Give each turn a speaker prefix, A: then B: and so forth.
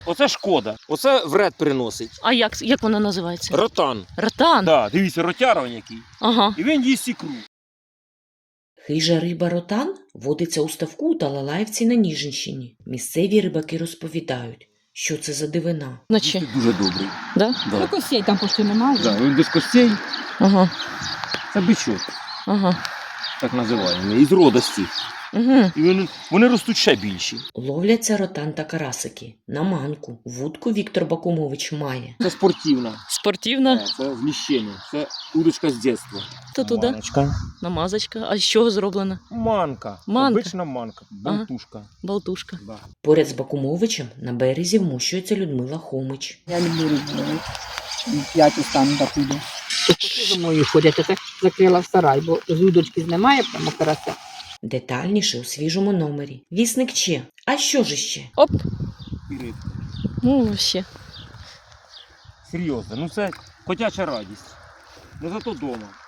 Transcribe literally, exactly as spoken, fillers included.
A: Оце шкода. Оце вред приносить.
B: А як, як вона називається?
A: Ротан.
B: Ротан?
A: Да, дивіться, ротяра який.
B: Ага.
A: І він їсть ікру.
C: Хижа риба ротан водиться у ставку у Талалаївці на Ніжинщині. Місцеві рибаки розповідають, що це за дивина.
B: Наче.
A: Він дуже добрий.
B: Да?
A: Да.
D: Костей там почти немає.
A: Да, він без костей.
B: Ага.
A: Це бичок,
B: Ага.
A: так називаємо. Із родості.
B: Угу.
A: І вони, вони ростуть ще більші.
C: Ловляться ротан та карасики. На манку. Вудку Віктор Бакумович має.
A: Це спортивна.
B: Спортивна.
A: Це зміщення. Це удочка з дитинства.
B: То туди.
A: Маночка.
B: Намазочка. А з чого зроблена?
A: Манка.
B: Манка.
A: Обична манка. Болтушка.
B: Болтушка.
A: Да.
C: Поряд з Бакумовичем на березі вмощується Людмила Хомич.
D: Я люблю рибу. П'ять остану так іду. Коти за мною ходять, а це закрила в сарай, бо з удочки знімає прямо карася.
C: Детальніше у свіжому номері. Вісник Че. А що ж іще?
B: Оп.
A: І рибка.
B: Ну, вообще.
A: Серйозно. Ну це котяча радість. Не зато дома.